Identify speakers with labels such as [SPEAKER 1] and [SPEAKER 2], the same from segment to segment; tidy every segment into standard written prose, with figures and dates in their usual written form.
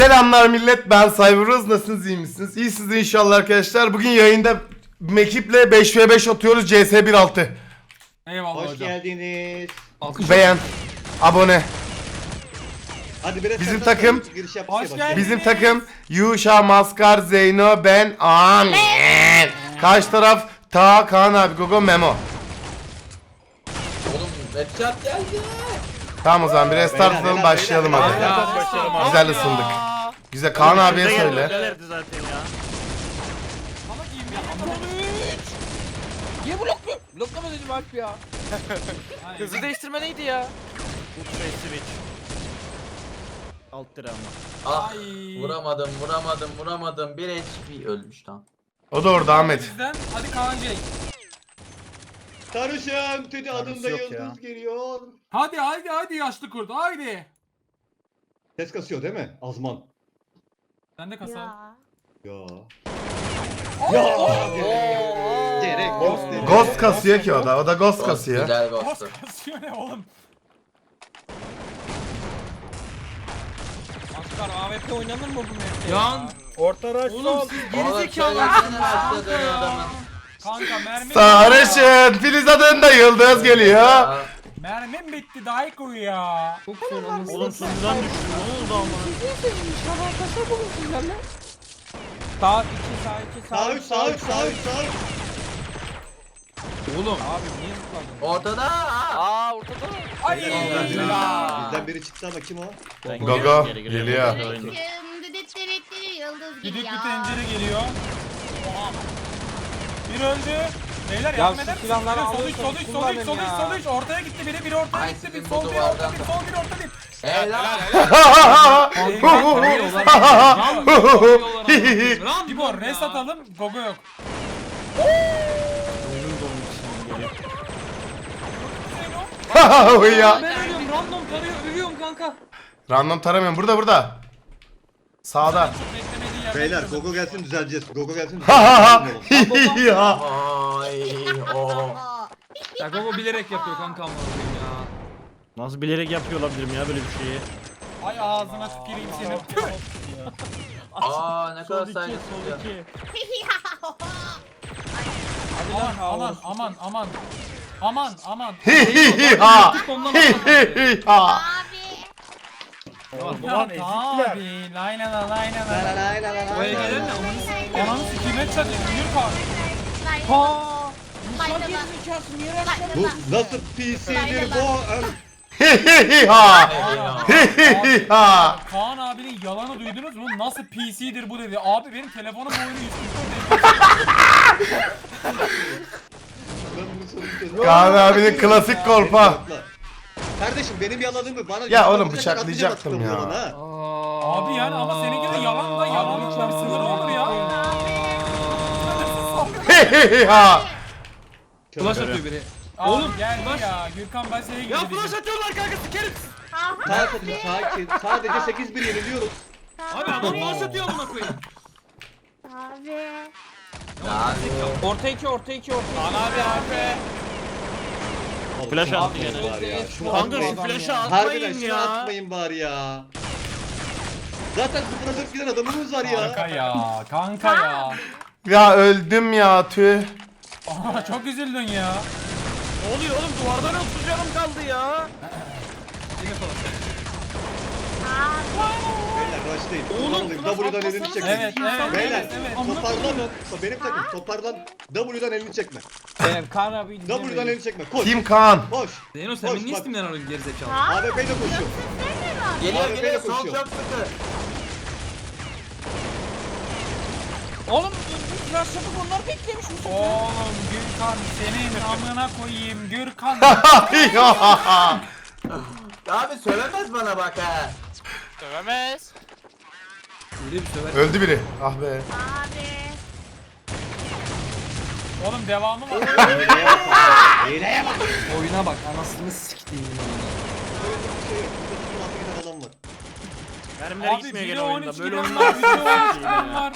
[SPEAKER 1] Selamlar millet, ben Cyberuz. Nasılsınız, iyi misiniz? İyisiniz inşallah arkadaşlar. Bugün yayında ekiple 5v5 atıyoruz CS 1.6.
[SPEAKER 2] Eyvallah
[SPEAKER 3] Hoş
[SPEAKER 2] hocam.
[SPEAKER 3] geldiniz.
[SPEAKER 1] Beğen, abone.
[SPEAKER 3] Hadi biraz
[SPEAKER 1] Bizim
[SPEAKER 3] sen
[SPEAKER 1] takım-
[SPEAKER 3] giriş yap.
[SPEAKER 2] Hoş geldin.
[SPEAKER 1] Bizim takım Yuşa, Maskar, Zeyno, ben, Amin. Karşı taraf Ta, Kaan abi, Gogo, Memo.
[SPEAKER 4] Oğlum headshot geldi.
[SPEAKER 1] Tamam o zaman bir restart
[SPEAKER 3] Beyler,
[SPEAKER 1] atalım,
[SPEAKER 3] beyler,
[SPEAKER 1] başlayalım
[SPEAKER 3] beyler.
[SPEAKER 1] hadi.
[SPEAKER 2] Ya.
[SPEAKER 1] Güzel ısındık. Güzel, Kaan abiye söyle.
[SPEAKER 2] Ama giymeyi
[SPEAKER 5] Niye blokluyor? Bloklama dedim Alp ya. Hızı değiştirme neydi ya?
[SPEAKER 6] Alt lira ama.
[SPEAKER 4] Ah
[SPEAKER 2] Ay.
[SPEAKER 4] vuramadım. Bir HP ölmüş tam.
[SPEAKER 1] O da orada Ahmet.
[SPEAKER 2] Bizden. Hadi Kaan Cenk.
[SPEAKER 3] Sarışın Tedi adında
[SPEAKER 6] yok
[SPEAKER 3] yıldız
[SPEAKER 6] ya.
[SPEAKER 3] geliyor.
[SPEAKER 2] Hadi yaşlı kurt haydi.
[SPEAKER 3] Ses kasıyor değil mi? Azman.
[SPEAKER 2] Sen de kasa.
[SPEAKER 3] Ya. Ya. Gerek yok dedi.
[SPEAKER 1] Ghost kasıyor ki o da Ghost kasıyor.
[SPEAKER 4] Güzel
[SPEAKER 2] Ghost
[SPEAKER 4] ghost'tu.
[SPEAKER 2] kasıyor ne oğlum?
[SPEAKER 5] Maskar AWP oynanır mı bu map'te?
[SPEAKER 2] Yan.
[SPEAKER 6] Orta rush sol.
[SPEAKER 4] Oğlum söylesene başladı adamın.
[SPEAKER 2] Kanka mermim.
[SPEAKER 1] Sarışın, Filiz adında yıldız geliyor.
[SPEAKER 4] Ya,
[SPEAKER 2] Mermim bitti daha koyu ya.
[SPEAKER 6] Oğlum sunudan düştü. Ne oldu ama?
[SPEAKER 5] Sağ 2 sağ 2
[SPEAKER 3] Sağ üç sağ üç sağ üç sağ üç.
[SPEAKER 2] Oğlum.
[SPEAKER 5] Abi niye zıpladın?
[SPEAKER 4] ortada.
[SPEAKER 5] Aa ortada.
[SPEAKER 2] Ay. Ya.
[SPEAKER 3] Bizden biri çıktı ama kim o?
[SPEAKER 1] Gogo geliyor.
[SPEAKER 2] Düdük bir tencere geliyor. Bir öldü. Beyler
[SPEAKER 5] Ya
[SPEAKER 2] yardım
[SPEAKER 5] şu
[SPEAKER 2] eder misiniz?
[SPEAKER 5] silahları
[SPEAKER 2] Sol
[SPEAKER 5] alın,
[SPEAKER 2] üç, sol üç, sol
[SPEAKER 5] kullanın
[SPEAKER 2] üç, sol üç,
[SPEAKER 5] ya.
[SPEAKER 2] sol üç. Ortaya gitti biri ortaya
[SPEAKER 4] Ay,
[SPEAKER 2] gitti. Bir
[SPEAKER 4] sizin
[SPEAKER 2] sol
[SPEAKER 4] bu
[SPEAKER 2] bir orta
[SPEAKER 4] duvardan
[SPEAKER 2] bir, sol bir orta bir.
[SPEAKER 4] Helal.
[SPEAKER 2] Tibor res atalım. Gogo yok.
[SPEAKER 1] Ya.
[SPEAKER 5] Ben ölüyorum random tarıyor ölüyorum kanka.
[SPEAKER 1] Random taramıyorum. Burada. Sağda.
[SPEAKER 2] Çok beklemediği yerde.
[SPEAKER 3] Beyler
[SPEAKER 2] kırdım.
[SPEAKER 3] Gogo gelsin düzeleceğiz. Gogo gelsin
[SPEAKER 1] Ha
[SPEAKER 3] düzeleceğiz.
[SPEAKER 1] ya.
[SPEAKER 4] Ay o.
[SPEAKER 5] Ya Gogo bilerek yapıyor kanka ama ya.
[SPEAKER 6] Nasıl bilerek yapıyor olabilirim ya böyle bir şeyi?
[SPEAKER 2] Ay ağzına tüküreyim senin. Tüh.
[SPEAKER 4] Aa ne kadar
[SPEAKER 6] Sol
[SPEAKER 4] saygısız ya.
[SPEAKER 6] 2.
[SPEAKER 2] Aman.
[SPEAKER 1] Ha. Ha.
[SPEAKER 6] Ulan ezikler.
[SPEAKER 2] Abi layla la.
[SPEAKER 5] Buraya gelen ne?
[SPEAKER 2] Ananı sikime çadı. Yürü kalk.
[SPEAKER 3] Bu nasıl PC'dir bu?
[SPEAKER 1] Ha.
[SPEAKER 4] Ha.
[SPEAKER 2] Kaan abinin yalanı duydunuz mu? Nasıl PC'dir bu dedi. Abi benim telefonum bu oyunu 144
[SPEAKER 1] Kaan abinin klasik kolpa.
[SPEAKER 3] Kardeşim benim yalanımı bana...
[SPEAKER 1] Ya oğlum bıçaklayacaktım ya.
[SPEAKER 2] Abi yani ama seninki de yalan da yalan içinde bir sınır olur ya.
[SPEAKER 1] Ha.
[SPEAKER 5] Flash atıyor biri.
[SPEAKER 2] Oğlum geldi ya. Gürkan ben seni
[SPEAKER 5] Ya flash atıyorlar kanka sikerim.
[SPEAKER 3] Sakin. Sadece 8-1 yeniliyoruz.
[SPEAKER 5] Abi adam flash atıyor amına koyayım.
[SPEAKER 4] Abi.
[SPEAKER 5] Orta 2 orta 2 orta 2.
[SPEAKER 2] Abi.
[SPEAKER 6] Flash attı
[SPEAKER 3] Atmayın
[SPEAKER 6] gene.
[SPEAKER 3] bari ya. Şunu
[SPEAKER 6] Kanka şu
[SPEAKER 3] atmayın.
[SPEAKER 6] flash'ı
[SPEAKER 3] Harbiden
[SPEAKER 6] atmayın
[SPEAKER 3] şunu
[SPEAKER 6] ya.
[SPEAKER 3] atmayın bari ya. Zaten 0'a 4 giden adamımız var
[SPEAKER 2] Kanka
[SPEAKER 3] ya.
[SPEAKER 2] ya.
[SPEAKER 1] Ya öldüm ya tüh.
[SPEAKER 2] Aa, çok üzüldün ya.
[SPEAKER 5] Ne oluyor oğlum duvardan 30 canım kaldı ya.
[SPEAKER 3] Beyler başlayın.
[SPEAKER 5] Oğlum,
[SPEAKER 3] W'dan elini çekme.
[SPEAKER 2] Evet.
[SPEAKER 3] Beyler
[SPEAKER 2] Evet.
[SPEAKER 3] toparlanın. Benim takım toparlan. W'dan elini çekme.
[SPEAKER 5] Benim Kaan abi
[SPEAKER 3] W'dan elini çekme. Koş.
[SPEAKER 1] Kim Kaan?
[SPEAKER 3] Koş.
[SPEAKER 5] Zeyno sen
[SPEAKER 3] Koş,
[SPEAKER 5] beni niye
[SPEAKER 3] bak.
[SPEAKER 5] istimden arıyorsun gerizekalı?
[SPEAKER 3] AWP ile koşuyor.
[SPEAKER 4] Geliyor
[SPEAKER 3] Abi,
[SPEAKER 4] geliyor
[SPEAKER 3] beni
[SPEAKER 4] sol
[SPEAKER 3] koşuyor.
[SPEAKER 4] çok sıkı.
[SPEAKER 5] Oğlum flash yapıp onlar beklemiş mi?
[SPEAKER 2] Oğlum Gürkan senin amına koyayım Gürkan.
[SPEAKER 4] Abi söylemez bana bak ha.
[SPEAKER 5] Öyle bir söver.
[SPEAKER 1] Öldü biri. Ah be.
[SPEAKER 2] Oğlum devamı var.
[SPEAKER 3] Hileye bak.
[SPEAKER 5] Oyuna bak anasını siktiğim.
[SPEAKER 3] Adam var.
[SPEAKER 6] Mermiler
[SPEAKER 2] Abi
[SPEAKER 6] gitmiyor
[SPEAKER 2] biri
[SPEAKER 6] gene
[SPEAKER 2] 13
[SPEAKER 6] oyunda. Böyle
[SPEAKER 2] giren
[SPEAKER 6] oyunlar
[SPEAKER 2] var, biri 13 giren var.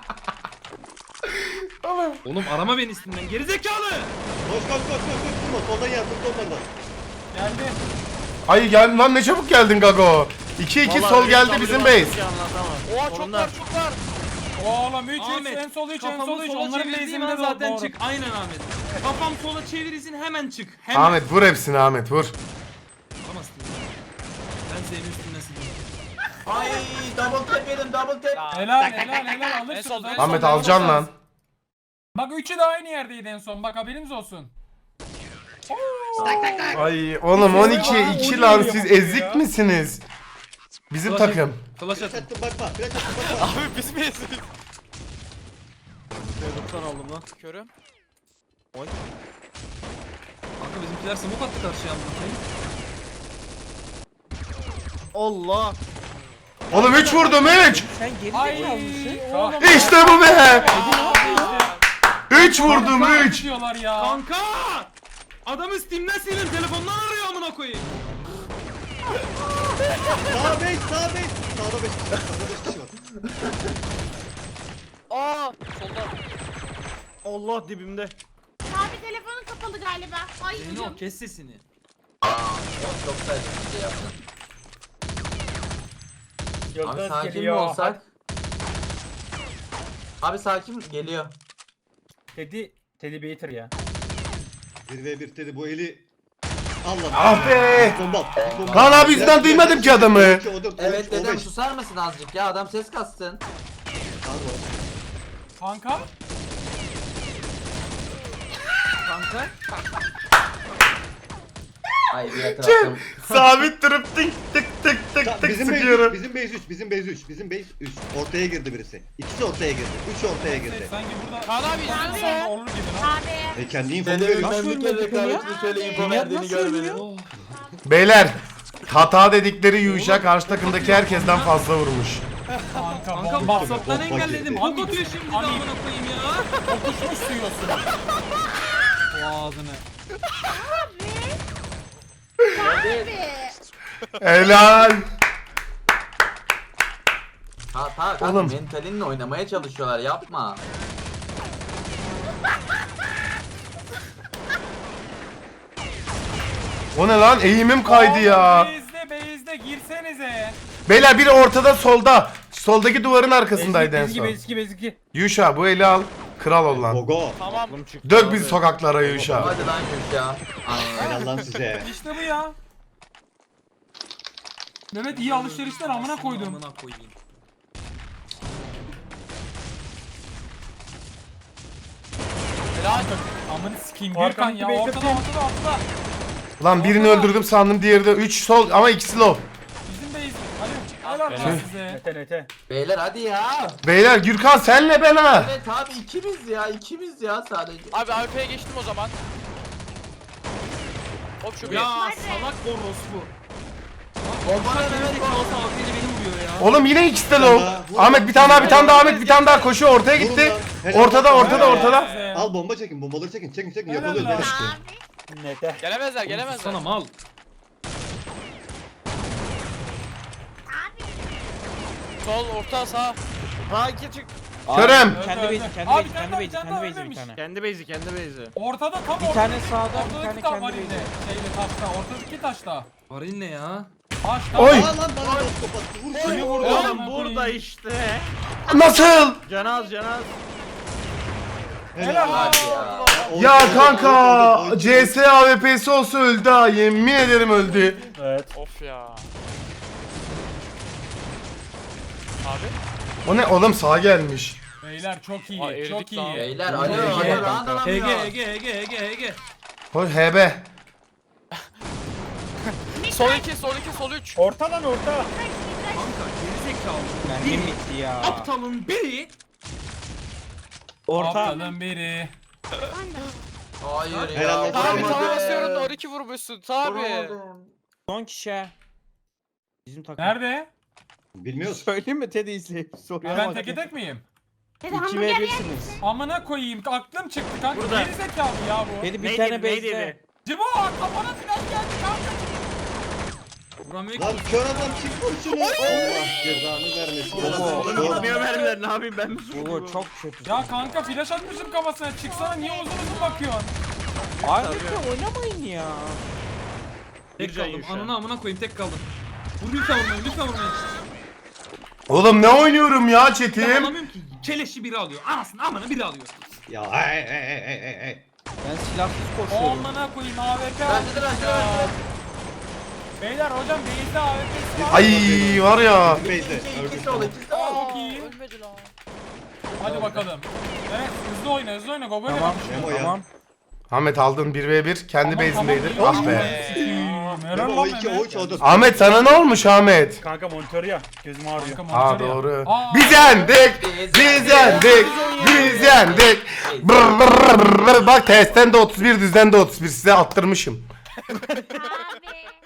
[SPEAKER 5] Oğlum arama beni istimden gerizekalı.
[SPEAKER 3] Koş. Durma. Soldan yardım onlardan.
[SPEAKER 2] Geldi.
[SPEAKER 1] Ay gel lan, ne çabuk geldin Gago. 2-2
[SPEAKER 6] Vallahi
[SPEAKER 1] sol
[SPEAKER 6] öyle
[SPEAKER 1] geldi
[SPEAKER 6] tabiri
[SPEAKER 1] bizim
[SPEAKER 6] bastım
[SPEAKER 1] base.
[SPEAKER 6] ki anlatamam.
[SPEAKER 5] Oha çok
[SPEAKER 6] Solunda.
[SPEAKER 5] var çok var.
[SPEAKER 2] Oğlum 3
[SPEAKER 7] Ahmet,
[SPEAKER 2] en sol 3 en
[SPEAKER 7] kafamı
[SPEAKER 2] sol 3
[SPEAKER 7] sola
[SPEAKER 2] onların
[SPEAKER 7] çevirdiğim
[SPEAKER 2] base'inde
[SPEAKER 7] an zaten
[SPEAKER 2] doğru.
[SPEAKER 7] çık. Aynen Ahmet. Kafam sola çevirirsin hemen çık. Hemen.
[SPEAKER 1] Ahmet vur hepsini Ahmet vur.
[SPEAKER 7] Alamazsın. Ben senin üstüne sileyim.
[SPEAKER 4] Ay double tap yedim double tap.
[SPEAKER 5] Ya.
[SPEAKER 2] Helal alırsınız.
[SPEAKER 5] En sol, en
[SPEAKER 2] alırsınız.
[SPEAKER 1] Ahmet alacaksın lan.
[SPEAKER 2] Bak üçü de aynı yerdeydi en son. Bak haberiniz olsun.
[SPEAKER 1] Ay oğlum 12'ye 2 lan siz ezik misiniz? Bizim
[SPEAKER 7] Flash
[SPEAKER 1] takım.
[SPEAKER 7] Flash
[SPEAKER 3] Flash
[SPEAKER 7] atın.
[SPEAKER 3] attım bakma. Flash attım bakma.
[SPEAKER 5] Abi biz miyiz?
[SPEAKER 6] Çocuktan aldım lan.
[SPEAKER 5] Körüm.
[SPEAKER 7] Kanka bizimkiler smoke attı karşıya.
[SPEAKER 6] Allah.
[SPEAKER 1] Oğlum 3 vurdum 3.
[SPEAKER 5] Sen geri
[SPEAKER 2] Ay oğlum.
[SPEAKER 1] İşte bu be.
[SPEAKER 2] Abi işte.
[SPEAKER 1] 3 vurdum 3.
[SPEAKER 2] Diyorlar ya.
[SPEAKER 7] Kanka! Adamı Steam'den silin telefondan arıyor amına koyayım.
[SPEAKER 3] Sağ base sağ base. Sağda 5 kişi var. Sağda 5 kişi var.
[SPEAKER 5] Aa solda.
[SPEAKER 6] Allah dibimde.
[SPEAKER 8] Abi telefonun kapalı galiba. Ay
[SPEAKER 7] Senin
[SPEAKER 8] hocam.
[SPEAKER 7] o kes sesini.
[SPEAKER 4] Çok saçma bir şey yaptın. Abi sakin mi olsak? Abi sakin geliyor.
[SPEAKER 6] Teddy Bater ya.
[SPEAKER 3] 1v1 dedi bu eli. Allah.
[SPEAKER 1] Ah be.
[SPEAKER 3] Bomba. Bomba.
[SPEAKER 1] Lan abi yüzden duymadım ki adamı.
[SPEAKER 4] Evet dedem susar mısın azıcık ya adam ses kassın.
[SPEAKER 2] Kanka.
[SPEAKER 7] Kanka.
[SPEAKER 4] Ay bir etrafım.
[SPEAKER 1] Sabit durup tık tık tık tık tık
[SPEAKER 3] Bizim base 3,
[SPEAKER 1] sıkıyorum.
[SPEAKER 3] bizim base 3, bizim base 3, bizim base 3. Ortaya girdi birisi. İkisi ortaya girdi. 3 ortaya girdi.
[SPEAKER 2] Sanki burada
[SPEAKER 5] Kaan abi
[SPEAKER 2] Sonra
[SPEAKER 5] izliyorsun.
[SPEAKER 2] olur gibi lan.
[SPEAKER 8] Abi.
[SPEAKER 3] Kendi infomu
[SPEAKER 4] Dedemin
[SPEAKER 3] veriyor.
[SPEAKER 4] ben bir kere rekabetini şöyle info verdiğini görmedim.
[SPEAKER 1] Beyler hata dedikleri Yuşa karşı takımdaki herkesten fazla vurmuş.
[SPEAKER 2] Kanka
[SPEAKER 7] Kanka
[SPEAKER 2] bomba
[SPEAKER 7] WhatsApp'tan
[SPEAKER 3] Bomba
[SPEAKER 7] engelledim.
[SPEAKER 3] girdi.
[SPEAKER 7] Bok atıyor şimdi de amına koyayım ya.
[SPEAKER 2] kokuşmuş duyuyorsun.
[SPEAKER 7] O ağzını.
[SPEAKER 8] Abi.
[SPEAKER 1] Helal.
[SPEAKER 4] Kanka
[SPEAKER 1] Oğlum.
[SPEAKER 4] mentalinle oynamaya çalışıyorlar yapma.
[SPEAKER 1] O ne lan eğimim kaydı ya.
[SPEAKER 2] Base'de girsenize.
[SPEAKER 1] Beyler biri ortada solda. Soldaki duvarın arkasındaydı en son.
[SPEAKER 6] Bezgi.
[SPEAKER 1] Yuşa bu eli al. Kral ol lan.
[SPEAKER 3] Gogo.
[SPEAKER 5] Tamam.
[SPEAKER 6] Aklım çıktı
[SPEAKER 1] Dök
[SPEAKER 6] abi.
[SPEAKER 1] bizi sokaklara Yuşa.
[SPEAKER 4] Hadi lan Gülşah.
[SPEAKER 3] Helal lan size.
[SPEAKER 2] İşte bu ya. Mehmet iyi alışverişler amına koydum.
[SPEAKER 7] Amına koyayım.
[SPEAKER 2] Helal. Amını sikeyim Gürkan ya ortada.
[SPEAKER 1] Lan birini öldürdüm sandım diğeri de 3 sol ama ikisi low.
[SPEAKER 2] Bizim base. Hadi. Helal lan size.
[SPEAKER 4] Beyler hadi ya.
[SPEAKER 1] Beyler Gürkan senle ben ha.
[SPEAKER 4] Evet abi ikimiz ya sadece.
[SPEAKER 5] Abi AWP'ye geçtim o zaman. Hop şu bir.
[SPEAKER 7] Ya salak orospu.
[SPEAKER 4] Bomba ne
[SPEAKER 7] Mehmet
[SPEAKER 4] Mehmet?
[SPEAKER 7] Kalsa AP'li beni vuruyor ya.
[SPEAKER 1] Oğlum yine ikisi de low. Ahmet bir tane daha bir tane daha Ahmet bir tane daha koşuyor ortaya gitti. Ortada.
[SPEAKER 2] Size.
[SPEAKER 3] Al bomba çekin, bombaları çekin.
[SPEAKER 2] Helal
[SPEAKER 3] Yakalıyoruz
[SPEAKER 2] lan.
[SPEAKER 3] beyler.
[SPEAKER 5] Gelemezler gelemezler.
[SPEAKER 7] Sana mal.
[SPEAKER 5] Sol orta sağ.
[SPEAKER 6] Ha iki çık.
[SPEAKER 1] Körem.
[SPEAKER 2] Kendi base, kendi base, kendi base, bir tane.
[SPEAKER 6] Kendi base'i.
[SPEAKER 2] Ortada tam
[SPEAKER 9] Bir tane sağda, bir
[SPEAKER 2] ortadaki
[SPEAKER 9] tane
[SPEAKER 2] tam
[SPEAKER 9] kendi
[SPEAKER 2] var yine. Şeyde taşta, ortadaki taşta.
[SPEAKER 7] Varil ne ya?
[SPEAKER 2] Taşta.
[SPEAKER 1] Oy.
[SPEAKER 3] Aa lan bana da kapattı. Vur
[SPEAKER 2] Kimi
[SPEAKER 3] şunu.
[SPEAKER 2] vurdu?
[SPEAKER 6] Oğlum
[SPEAKER 2] Amına
[SPEAKER 6] burada
[SPEAKER 2] koyayım.
[SPEAKER 6] işte.
[SPEAKER 1] Nasıl?
[SPEAKER 6] Canaz.
[SPEAKER 2] Helal lan.
[SPEAKER 4] Hadi ya.
[SPEAKER 1] Ya kanka CS AWP'si olsa öldü ha yemin ederim öldü.
[SPEAKER 5] Of ya. Abi.
[SPEAKER 1] O ne oğlum sağa gelmiş.
[SPEAKER 2] Beyler çok iyi,
[SPEAKER 5] Aa,
[SPEAKER 2] çok
[SPEAKER 5] eridik lan.
[SPEAKER 2] iyi.
[SPEAKER 4] Beyler alo alo round alamıyor.
[SPEAKER 7] Ege.
[SPEAKER 1] Hoş HB.
[SPEAKER 5] Sol 2 sol 3.
[SPEAKER 6] Orta lan orta.
[SPEAKER 7] Kanka gerizekalı.
[SPEAKER 9] Mermim bitti ya.
[SPEAKER 7] Aptalın biri.
[SPEAKER 2] Ortadan biri.
[SPEAKER 4] Hayır ya.
[SPEAKER 3] Helal olsun.
[SPEAKER 5] Tabi
[SPEAKER 4] vuramadım.
[SPEAKER 5] tava basıyorum 12 vurmuşsun tabi.
[SPEAKER 4] Vuramadım.
[SPEAKER 9] Son kişi. Bizim takım.
[SPEAKER 2] Nerede?
[SPEAKER 3] Bilmiyoruz.
[SPEAKER 9] Söyleyeyim mi Teddy izleyip soruyor.
[SPEAKER 2] Ben teke tek miyim?
[SPEAKER 8] Dede
[SPEAKER 9] 2
[SPEAKER 8] hamburger
[SPEAKER 9] ve
[SPEAKER 8] yer
[SPEAKER 9] 1'siniz.
[SPEAKER 2] Amına koyayım aklım çıktı kanka.
[SPEAKER 6] Burada.
[SPEAKER 2] Geri zekalı ya bu.
[SPEAKER 9] Teddy bir
[SPEAKER 6] Ne
[SPEAKER 9] tane
[SPEAKER 6] dedi, ne dedi?
[SPEAKER 9] bezde.
[SPEAKER 2] Cibo kafana flash geldi kanka.
[SPEAKER 7] Vuramıyor
[SPEAKER 3] Lan
[SPEAKER 7] ki.
[SPEAKER 3] kör adam çık vur şunu. Allah cezanı vermesin.
[SPEAKER 9] Oğlum,
[SPEAKER 6] Gitmiyor mermiler ne yapayım ben mi
[SPEAKER 9] Oo
[SPEAKER 6] suçluyum?
[SPEAKER 9] çok kötü.
[SPEAKER 2] Ya kanka flash atmışım kafasına. Çıksana niye uzun uzun bakıyorsun?
[SPEAKER 9] Ayrıca oynamayın ya.
[SPEAKER 7] Tek
[SPEAKER 6] Bir can
[SPEAKER 7] kaldım.
[SPEAKER 6] yiyor şu an.
[SPEAKER 7] Ananı amına koyayım tek kaldım. Lütfen vurmayın, lütfen vurmayın.
[SPEAKER 1] Oğlum ne oynuyorum ya
[SPEAKER 7] Ben
[SPEAKER 1] Çetin?
[SPEAKER 7] anlamıyorum ki. Keleşi biri alıyor. Anasını amına biri alıyor.
[SPEAKER 3] Ya ay.
[SPEAKER 9] Ben silahsız koşuyorum.
[SPEAKER 2] Amına koyayım AWP
[SPEAKER 4] Bence de, bence de,
[SPEAKER 2] ya.
[SPEAKER 4] bence de.
[SPEAKER 2] Beyler hocam base'de AWP'si var.
[SPEAKER 1] Ay var ya.
[SPEAKER 3] Beyze.
[SPEAKER 4] İkisi oldu, ikisi de oldu.
[SPEAKER 2] Çok iyi.
[SPEAKER 5] Ölmedi lan.
[SPEAKER 2] Hadi bakalım. Evet hızlı oyna Gogo ile
[SPEAKER 9] Tamam
[SPEAKER 2] kapışıyor.
[SPEAKER 3] Memo ya.
[SPEAKER 9] tamam.
[SPEAKER 1] Ahmet aldın 1v1 kendi base'indeydi. Ah be.
[SPEAKER 2] Helal
[SPEAKER 3] O
[SPEAKER 2] lan
[SPEAKER 3] 2 o
[SPEAKER 2] Mehmet.
[SPEAKER 3] 3 o 4.
[SPEAKER 1] Ahmet sana ne olmuş Ahmet?
[SPEAKER 6] Kanka monitör ya. Gözüm ağrıyor.
[SPEAKER 2] Kanka,
[SPEAKER 1] Aa
[SPEAKER 2] monitör ya.
[SPEAKER 1] doğru.
[SPEAKER 2] Aa,
[SPEAKER 1] Biz yendik. Biz yendik. Biz yendik. Brr, brr, brr. Bak testten de 31 düzden de 31 size attırmışım.
[SPEAKER 8] Abi.